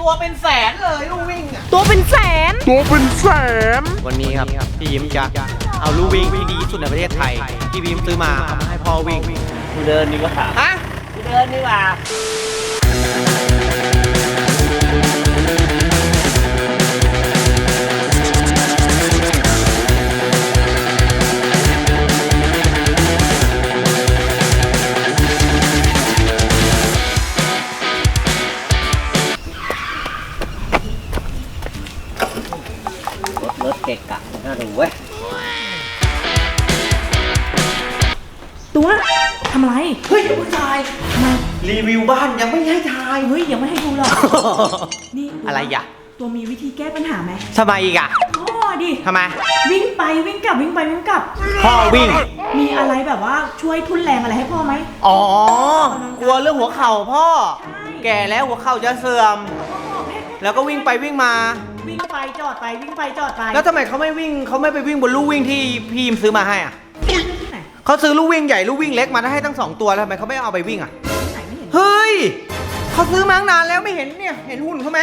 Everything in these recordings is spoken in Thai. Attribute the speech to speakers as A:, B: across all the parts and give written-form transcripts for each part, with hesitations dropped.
A: ตัวเป็นแสนเลยลู่วิ่งอ่ะ
B: ตัวเป็นแสน
A: วันนี้ครับพี่ยิ้มจะเอาลู่วิ่งที่ดีที่สุดในประเทศไทยที่พี่ยิ้มซื้อมาเอามาให้พ่อวิ่ง
C: กูเดินดีกว่า
A: ฮะ
C: กูเดินดีกว่า รถเกะกะน่าดูเว้ย
B: ตัวทำอะไร
A: เฮ้ยผู้ชาย
B: ทำไม
A: รีวิวบ้านยังไม่ให้ทาย
B: เฮ้ยยังไม่ให้ดูหรอกนี่ตัว
A: อะไรอ่ะ
B: ตัวมีวิธีแก้ปัญหาไหม
A: ทำไมอีกอ่ะ
B: พ่อดิ
A: ทำไม
B: วิ่งไปวิ่งกลับวิ่งไปวิ่งกลับ
A: พ่อวิ่ง
B: มีอะไรแบบว่าช่วยทุนแรงอะไรให้พ่อไหม
A: อ๋อกลัวเรื่องหัวเข่าพ่อ แก่แล้วหัวเข่าจะเสื่อม แล้วก็วิ่งไปวิ่งมา
B: วิ่งไปจอดไปวิ่งไปจอดไป
A: แล้วทำไมเขาไม่วิ่งเขาไม่ไปวิ่งบนลู่วิ่งที่พี่ยิมซื้อมาให้อ่ะ
B: ที่ไหน
A: เขาซื้อลู่วิ่งใหญ่ลู่วิ่งเล็กมาให้ทั้ง2ตัวแล้วทำไมเขาไม่เอาไปวิ่งอ่ะ
B: ที่ไหนไม่เห็น
A: เฮ้ยเขาซื้อมาตั้งนานแล้วไม่เห็นเนี่ยเห็นหุ่นเขาไหม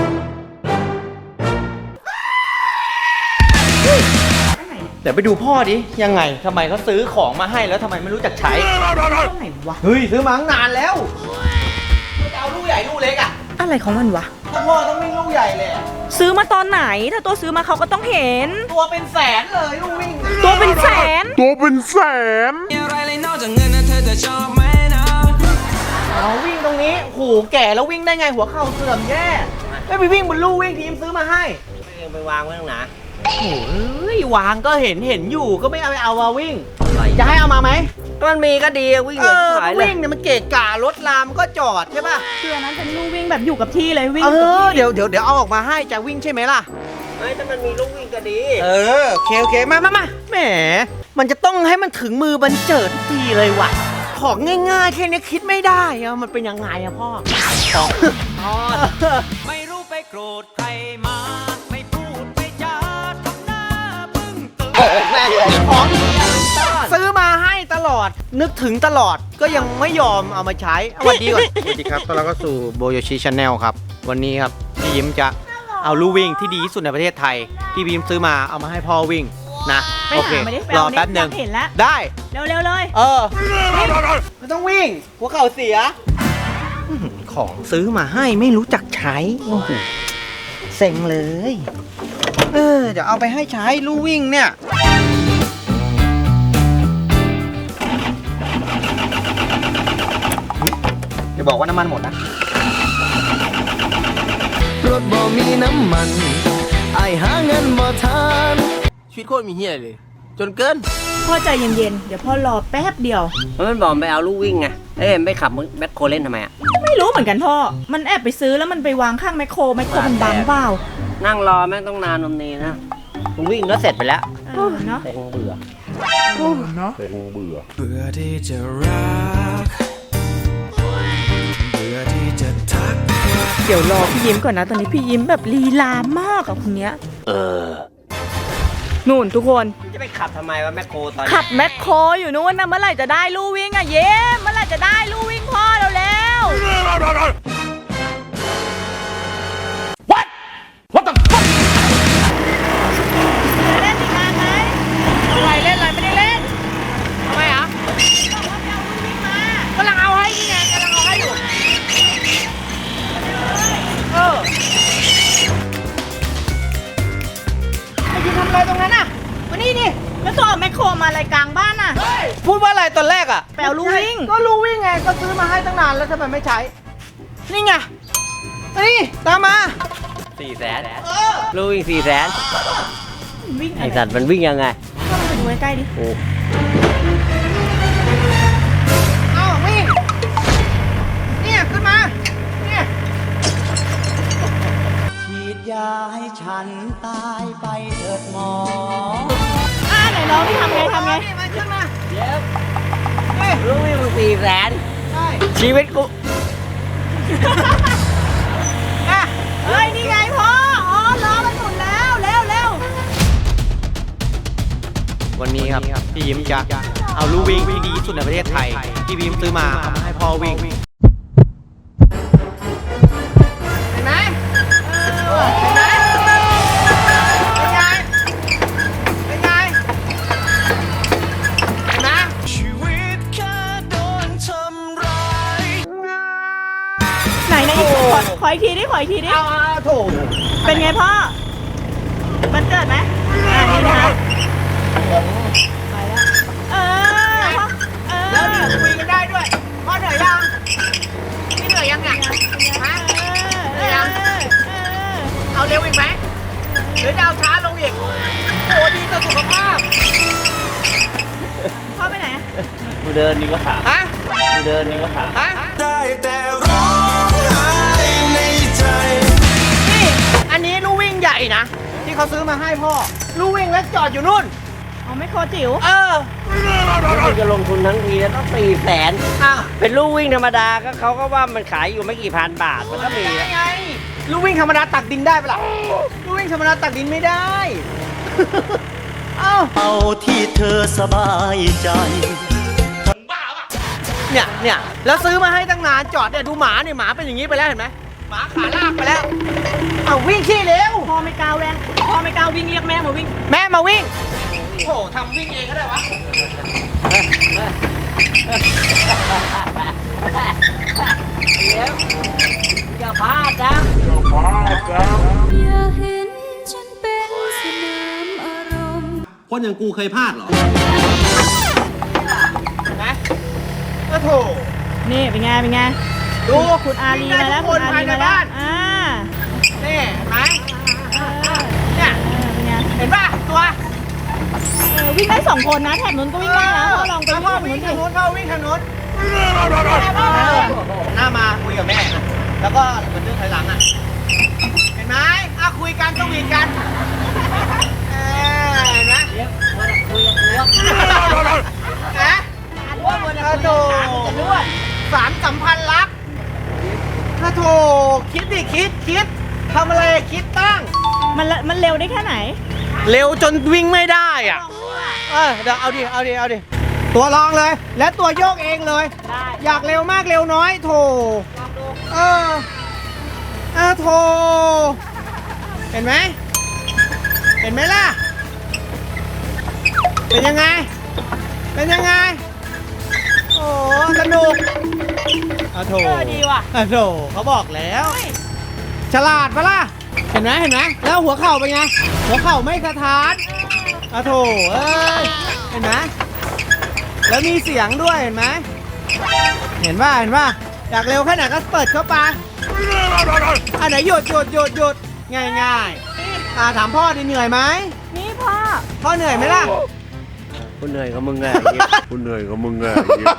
B: ที่ไหน
A: เดี๋ยวไปดูพ่อดิยังไงทำไมเขาซื้อของมาให้แล้วทำไมไม่รู้จักใช้
B: ที่ไหนวะ
A: เฮ้ยซื้อมาตั้งนานแล้วจะเอาลู่ใหญ่ลู่เล็กอ่ะ
B: อะไรของมันวะ
A: พ่อต้องวิ่งลู่ใหญ่เลย
B: ซื้อมาตอนไหนถ้าตัวซื้อมาเขาก็ต้องเห็น
A: ตัวเป็นแสนเลยลู่วิ่ง
B: ตัวเป็นแสน
D: อะไรเลยนอกจากเงินนะเธอจะชอบไหมนะ
A: เอาวิ่งตรงนี้โหแก่แล้ววิ่งได้ไงหัวเข่าเสื่อมแย่ไม่ไปวิ่งบนลู่วิ่งทีมซื้อมาให้
C: ไม่ยังไปวางไว้ตรงไหน
A: โอ้ยวางก็เห็นอยู่ก็ไม่เอามาวิ่งจะให้เอามาไหม
C: ก็มันมีก็ดีอะวิ่ง
A: เอ
C: เลย
A: อ
C: ขายเลย
A: วิ่งเนี่ยมันเกะกะรถลามก็จอดใช่ป่ะ
B: คืออันนั้นเป็นลู่วิ่งแบบอยู่กับที่เลยวิ่ง
A: เอ
B: กับ
A: อ
B: ที่
A: เดี๋ยวเอาออกมาให้จะวิ่งใช่ไหมล่ะ
C: เฮ้ยถ้ามันมีลูกวิ่งก็ดี
A: เออโอเคมาแหมมันจะต้องให้มันถึงมือบันเจิดทุกทีเลยว่ะของง่ายๆแค่นี้คิดไม่ได้อะมันเป็นยังไงอะพ่อของ
D: ไม่รู้ไปโกรธใครมา ไม่พูดไม่จาทำหน้าบึ้งตึง
A: ของซื้อมาให้ตลอดนึกถึงตลอดก็ยังไม่ยอมเอามาใช้สวัสดีก่อนสวัสดีครับต้อนรับเข้าสู่โบโยชิชาแนลครับวันนี้ครับพี่ยิ้มจะเอาลู่วิ่งที่ดีที่สุดในประเทศไทยที่พี่ยิ้มซื้อมาเอามาให้พ่อวิ่งนะ
B: ไป
A: โอเค
B: หาไม่ได้
A: รอแป๊บหนึ่ง
B: เห็นแล้ว
A: ได้
B: เร็วๆเลย
A: เออไม่ต้องวิ่งหัวเข่าเสียของซื้อมาให้ไม่รู้จักใช้โอ้โหเซ็งเลยเดี๋ยวเอาไปให้ใช้ลู่วิ่งเนี่ยอย่าบอกว่าน้ำมันหมดนะ
D: รถบ่มีน้ำมันไอหาเงินบ่ทันชีวิตโคตรมีเฮียเลย จนเกิน
B: พ่อใจเย็นๆเดี๋ยวพ่อรอแป๊บเดียว
C: มันบอกไปเอาลูกวิ่งไงเอ้ยไม่ขับแมคโครเล่นทำไมอะ
B: ไม่รู้เหมือนกันพ่อมันแอบไปซื้อแล้วมันไปวางข้างแมคโครมันบังเปล่า
C: นั่งรอแม่งต้องนานนมนีนะมึงวิ่งก็เสร็จไปแล้ว
B: เนาะ
C: แต่คงเบื่อ
B: เนาะ
D: เบื่อที่จะรัก เบื่อที่จะทัก
B: เดี๋ยวรอพี่ยิ้มก่อนนะตอนนี้พี่ยิ้มแบบลีลามากกับคนเนี้ยนู่นทุกคน
C: จะไปขับทำไมวะแมคโครตอนนี้
B: ขับแมคโครอยู่นู้นนะเมื่อไหร่จะได้ลู่วิ่งอ่ะเย้เมื่อไหร่จะได้ลู่วิ่งพ่อเร็วๆเล่นอีกนานไหม
A: อะไรเล่นอะไรไม่ได้เล่นทำไมอ่ะ
B: บอกว่าจะเอาลู่วิ่งมาก
A: ำลังเอาให้นี่ไงกำลังเอาให้อยู่ไอ้ที่ทำอะไรตรงนั้นอ่ะมานี่นี่
B: แล้วตัวเอาแมคโครมาอะไรกลางบ้านน่ะ
A: พูดว่าอะไรตอนแรกอ่ะ
B: ไปเอาลู่วิ่ง
A: ก็ลู่วิ่งไงก็ซื้อมาให้ตั้งนานแล้วทำไมไม่ใช้นี่ไงนี่ตามมา
C: 400,000ลูกวิ่ง400,000
B: วิ่งอะ
C: ไอ
B: ไร
C: สัตว์มันวิ่งยังไง
B: เข้ามาดูใกล้ๆดิ
C: โอ้
A: เอาวิ่งเนี่ยขึ้นมาเนี่ย
D: ฉีดยาให้ฉันตายไปเถิดหมอ
B: ไหนน้องพี่ทำไง
A: นี่มันขึ้นมา
C: เดี๋ยว
A: เฮ้ย
C: ลูกวิ่งมึง400,000
A: ใช่
C: ชีวิตกู
A: อ่ะ
B: เฮ้ยนี่ไงพ่ออ๋อล้อมันหมุนแล้วเร็ว
A: วันนี้ครับพี่ยิ้มจะเอาลู่วิ่งที่ดีที่สุดในประเทศไทยที่พี่ยิ้มซื้อมาเอามาให้พ่อวิ่งเห็นไหมเป็นไงเป็นไงเป็นไงเห็นไหม
D: ชีวิตแค่โดนทำร้าย
B: ไหนอีกขออีกทีดิขออีกทีดิ
A: เอาโถ
B: เป็นไงพ่อมันเกิดไหมนี่นะคะไปแล้วพ่อ
A: แล้วนี่คุยกันได้ด้วยพ่อเหนื่อยยังนี่เหนื่อยยังเนี่ยฮะเหนื่อยยังเอาเร็วอีกไหมหรือจะเอาช้าลงอีกโอ้ดีต่อสุขภาพ
B: พ่อไปไหน
C: กูเดินนี่ก็ขา
A: ฮะ
C: กูเดินนี่ก็ขา
A: ฮะ
D: ได้แต่ร้องไห้ในใจ
A: นี่อันนี้ลู่วิ่งใหญ่นะที่เขาซื้อมาให้พ่อลู่วิ่งแล้วจอดอยู่นู่น
B: เอาไม่โคจิ๋ว
A: เออ
C: มึงจะลงทุนทั้งทีแล้วต้อง400,000
A: อ่ะ
C: เป็นลู่วิ่งธรรมดาก็เขาก็ว่ามันขายอยู่ไม่กี่พันบาทมันก็มี
A: ยังไงลู่วิ่งธรรมดาตักดินได้ปะล่ะลู่วิ่งธรรมดาตักดินไม่ได้ เอ้า
E: เอาที่เธอสบายใจ
A: เนี่ยแล้วซื้อมาให้ตั้งนานจอดเนี่ยดูหมาเนี่ยหมาเป็นอย่างนี้ไปแล้วเห็นไหมหมาขาลากไปแล้วเอาวิ่งขี้เร็ว
B: พ่อไม่กล้าแรงพ่อไม่กล้าวิ่งเรียกแม่มาวิ่ง
A: แม่มาวิ่งโอ้โหทำวิ่งเองก็ได้วะ
C: อย่าพลาดนะ
F: อย่าเห็นฉันเป็นสนามอารมณ์
E: คนอย่างกูเคยพลาดเหรอ
A: นะก็โถ
B: นี่เป็นไงเป็นไง
A: ดู
B: คุณอารีมาแล้ว
A: ค
B: คุ
A: น
B: ณอา
A: ภาย
B: รี
A: ใน
B: มาแล้ว
A: บ้าน นี่เห็นไหมเนี่ย
B: เป็นไง
A: เห็นป่ะตัว
B: วิ่งได้2 คนนะแถบนู้นก็วิ่งได้นะพ่อลองไป
A: พ่อ
B: วิ่
A: วิ่
B: ง
A: ง
B: ทา
A: ทาง ง
B: นู้
A: นู้
B: น
A: นพ่อวิ่งทางนู้นหน้ามาคุยกับแม่นะแล้วก็เหมือนเรื่องถอยหลังอ่ะเห็นไหมคุยกันต้องวีกันเห็นไหมนะโถสารสัมพันธ์รักโถคิดดิคิดทำอะไรคิดตั้ง
B: มันเร็วได้แค่ไหน
A: เร็วจนวิ่งไม่ได้อ่ะเดี๋ยวเอาดิตัวลองเลย และตัวโยกเองเลย
B: ได้
A: อยากเร็วมากเร็วน้อยโถโถเห็นไหมล่ะเป็นยังไงโอ้สนุกโถ
B: ดีว่ะ
A: โถเขาบอกแล้วฉลาดปะล่ะเห็นไหมแล้วหัวเข่าเป็นไงหัวเข่าไม่สะท้านโถเอ้ยเห็นไหมแล้วมีเสียงด้วยเห็นไหมเห็นป่ะอยากเร็วแค่ไหนก็เปิดเข้าไปอันไหนหยุดง่ายถามพ่อดิเหนื่อยไหม
B: นี่พ่อ
A: เหนื่อยไหมล่ะ
C: กูเหนื่อยกับมึงไง
E: กูเหนื่อยกับมึงไง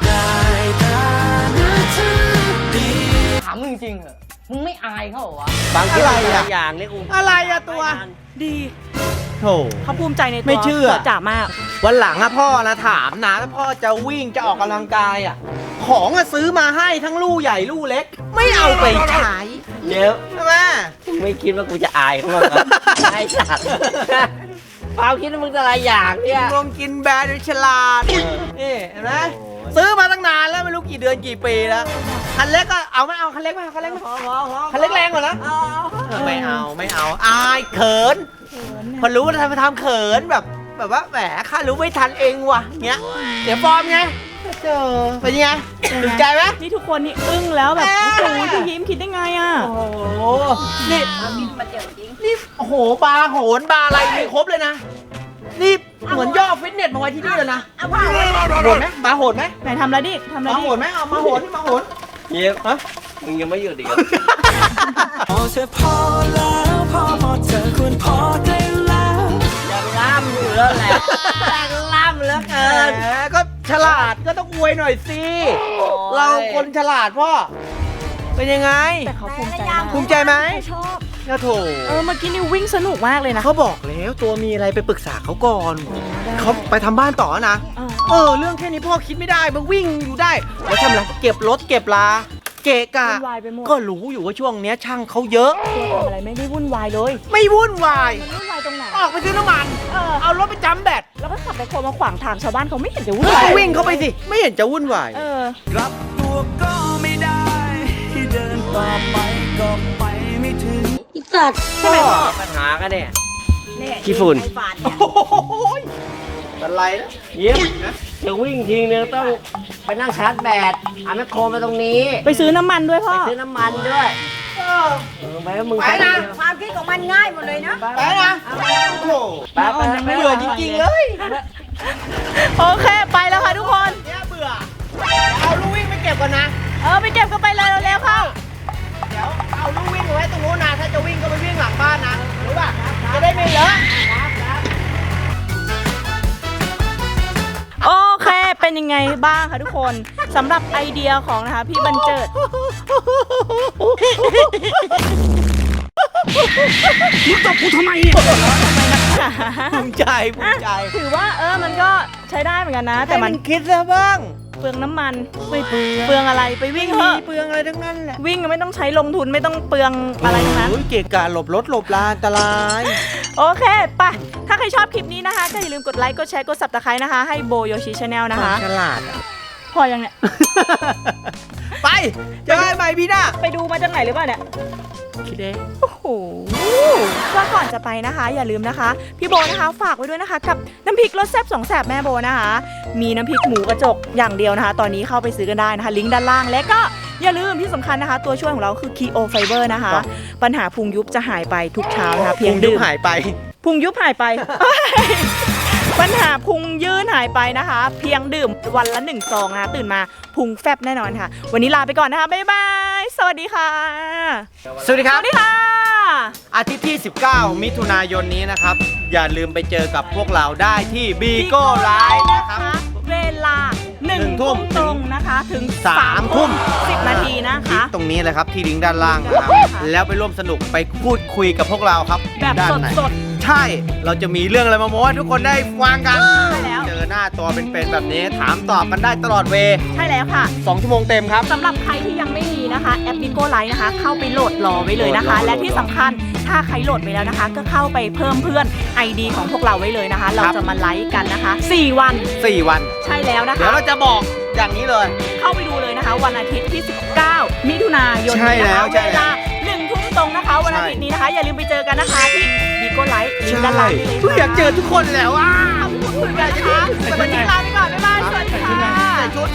C: ถามมึงจริงเหรอมึงไม่อายเขาเหรอวะบางที
A: อะไรอะ
C: บางอย่างเนี่ยกู
A: อะไรอะตัว
B: ดี
A: โถ
B: เขาภูมิใจในตัว
A: ไม่เชื่อ
B: จ๋ามาก
A: วันหลังพ่อนะถามนะถ้าพ่อจะวิ่งจะออกกำลังกายของซื้อมาให้ทั้งลู่ใหญ่ลู่เล็ก ไม่เอาไปใช้
C: เดี๋ยว
A: ใช่ไหม
C: ไม่คิดว่ากูจะอายเขาบ้างเหรอไอ้สัตว์ความคิดว่ามึงจะอะไรอย่างเนี่ย
A: ลงกินแบรนด์ฉลาดนี่เห็นไหมซื้อมาตั้งนานแล้วไม่รู้กี่เดือนกี่ปีแล้วคันเล็กก็เอาไม่เอาคันเล็กไหมคันเล็กแรงกว่านะไม่เอาอายเขินพอรู้ว่าทำเขินแบบว่าแหมข้ารู้ไม่ทันเองว่ะเงี้ยเดี๋ยวฟอร์มไงเจอเป็นยังไงถูกใจไหม
B: นี่ทุกคนนี่อึ้งแล้วแบบ
A: แม่
B: โอ้โหพี่ยิ้มคิดได้ไงอ่ะ
A: โอ้โหนี่โอ้โหบาร์โหนบาร์อะไรมีครบเลยนะนี่เหมือนย่อฟิตเนสมาไว้ที่นี่เลยนะโหดไหมบาร์โหดไหม
B: ไหนทำแล้วดิทำแล้ว
A: มา
B: ดิ
A: โหดไหมเอามาโหดมาโหด
C: เยี่ยมมึงยังไม่หยุดอีกเหรอ
D: พอเธอพอแล้วพอเธอควรพอได้แล้ว
C: อย่าไปล่ามอยู่แล้วแหละล่ามแล้วเกิน
A: แหมก็ฉลาดก็ต้องอวยหน่อยสิ เราคนฉลาดพ่อ เป็นยังไง
B: แต่เขาภูมิใจมาก
A: ภูมิใจไหม
B: เขาชอบ
A: เนี่ยโถ
B: เมื่อกี้นี่วิ่งสนุกมากเลยนะ
A: เขาบอกแล้วตัวมีอะไรไปปรึกษาเขาก่อน เขาไปทำบ้านต่อนะ เรื่องแค่นี้พ่อคิดไม่ได้มาวิ่งอยู่ได้ แล้วทำอะไรเก็บรถเก็บลา เกะกะ
B: วุ่นวายไปหมด
A: ก็รู้อยู่ว่าช่วงเนี้ยช่างเขาเยอะ
B: ตัวทำอะไรไม่ได้วุ่นวายเลย
A: ไม่วุ่นวาย
B: มันวุ่นวายตรงไหน
A: ออกไปซื้อน้ำมัน เอารถไปจำแบต
B: แล้วก็ขับไปโคมาขวางทางชาวบ้านเขาไม่เห็นจะวุ่นวาย
A: วิ่งเข้าไปสิ ไม่เห็นจะวุ่นวาย
D: กลับตัวก็ไม่ได้ เดินต่อไปก็ไปไม่ถึง
F: อีกสัตว์
B: ใช่ไหมพ่อ
C: ปัญหากันเนี่ย
B: เนี่ย
C: ขี้ฝุ่น
B: ไอ้ฝาดเนี่ย
A: อะไรนะ
C: ยิ้มจะวิ่งทีนึงต้องไปนั่งชาร์จแบตเอาแมคโครมาตรงนี้
B: ไปซื้อน้ำมันด้วยพ่อ
C: ซื้อน้ำมันด้วยไปแล้วมึง
A: ไปนะ
B: ความคิดของมันง่ายหมดเลยนะ
A: ไปนะโอ้โห
C: ไปไป
A: เบื่อจริงๆเลย
B: โอเคไปแล้วค่ะทุกคน
A: เนี่ยเบื่อเอาลูกวิ่งไปเก็บก่อนนะ
B: ไปเก็บกันไปเลยเร็วๆเข้า
A: เดี๋ยวเอาลูกวิ่งไว้ตรงนู้นนะถ้าจะวิ่งก็ไปวิ่งหลังบ้านนะรู้ป่ะจะได้ไม่เลอะ
B: โอเค เป็นยังไงบ้างคะทุกคนสำหรับไอเดียของนะคะพี่บรรเจิดมึงตบกูทำไมเนี่ย
A: ภูมิใจภูมิใจ
B: ถือว่ามันก็ใช้ได้เหมือนกันนะ แต่มัน
A: ให้คิดซะบ้าง
B: เปลืองน้ำมันไม่เปลืองอะไรไปวิ่งเถอะ
A: เปลืองอะไรทั้งนั้นแหละ
B: วิ่งไม่ต้องใช้ลงทุนไม่ต้องเปลืองอะไรทั้งนั้น
A: โอ้ยเกะกะหลบรถหลบลาอันตราย
B: โอเคไปถ้าใครชอบคลิปนี้นะคะก็อย่าลืมกดไลค์กดแชร์กด Subscribe นะคะให้โบโยชิชาแนลนะคะ
A: ฉลาดอะ
B: พอยังเนี่ย
A: ไปเจอกันใหม่พี่หน้า
B: ไปดูมาจากไหนหรือเปล่าเนี่ย
A: คิดเอง
B: โอ้โหก็ก่อนจะไปนะคะ อย่าลืมนะคะ พี่โบนะคะฝากไว้ด้วยนะคะกับน้ำพริกรสแซ่บ2 แสบแม่โบนะคะ มีน้ำพริกหมูกระจกอย่างเดียวนะคะ ตอนนี้เข้าไปซื้อกันได้นะคะ ลิงก์ด้านล่างและก็อย่าลืมที่สำคัญนะคะ ตัวช่วยของเราคือ Keo Fiber นะคะ ปัญหาพุงยุบจะหายไปทุกเช้านะคะเพียง
A: ยุ
B: ดื่
A: บ
B: ม
A: หายไป
B: พุงยุบหายไป ปัญหาพุงยื่นหายไปนะคะ เพียงดื่มวันละ1 ซองนะคะตื่นมาพุงแฟบแน่นอนค่ะ วันนี้ลาไปก่อนนะคะบ๊ายบายสวัสดีค่ะ
A: สวัสดีค
B: ส
A: รับ
B: วัสดีค่ะ
A: อาทิตย์ที่ 19 มิถุนายนนี้นะครับ อย่าลืมไปเจอกับพวกเราได้ที่บีโก้ไลฟ์นะครับ
B: เวลา1 ทุ่มตรงนะคะถึง
A: 3 ทุ่ม
B: 10 นาทีนะคะ
A: ตรงนี้เลยครับที่ลิงก์ด้านล่างนะครับ แล้วไปร่วมสนุกไปพูดคุยกับพวกเราครับ
B: แบบ
A: ด้านไหน
B: สด
A: ใช่ เราจะมีเรื่องอะไรมาโม้ให้ทุกคนได้ฟังกัน
B: ใช่แล้ว
A: เจอหน้าตัวเป็นๆแบบนี้ถามตอบกันได้ตลอดเว
B: ใช่แล้วค่ะ
A: 2 ชั่วโมงเต็มครับ
B: สำหรับใครที่ยังไม่มีนะคะแอป Bigo Live นะคะ เข้าไปโหลดรอไว้เลยนะคะ
A: โหลดรอ
B: และที่สำคัญถ้าใครโหลดไปแล้วนะคะ ก็เข้าไปเพิ่มเพื่อน ID ของพวกเราไว้เลยนะคะ เราจะมาไลฟ์กันนะคะ 4 วัน
A: 4 วัน
B: ใช่แล้วนะ
A: เดี๋ยว
B: คะ
A: เราจะบอกอย่างนี้เลย
B: เข้าไปดูเลยนะคะ วันอาทิตย์ที่ 19 มิถุนายน
A: ใช่
B: นี้
A: แล้
B: นะคะ
A: วใช่
B: เว
A: แล้ว
B: ลา 1 ทุ่มตรงนะคะ วันอาทิตย์นี้นะคะ อย่าลืมไปเจอกันนะคะที่ Bigo Live ลิงก์ด้านล่างนี้เลย
A: เพิ่งอยากเจอทุกคนแล้วอ่ะ
B: ขอบคุณค่ะนะคะวันนี้ลาไปก่อนบ๊ายบายสวัสดีค่ะ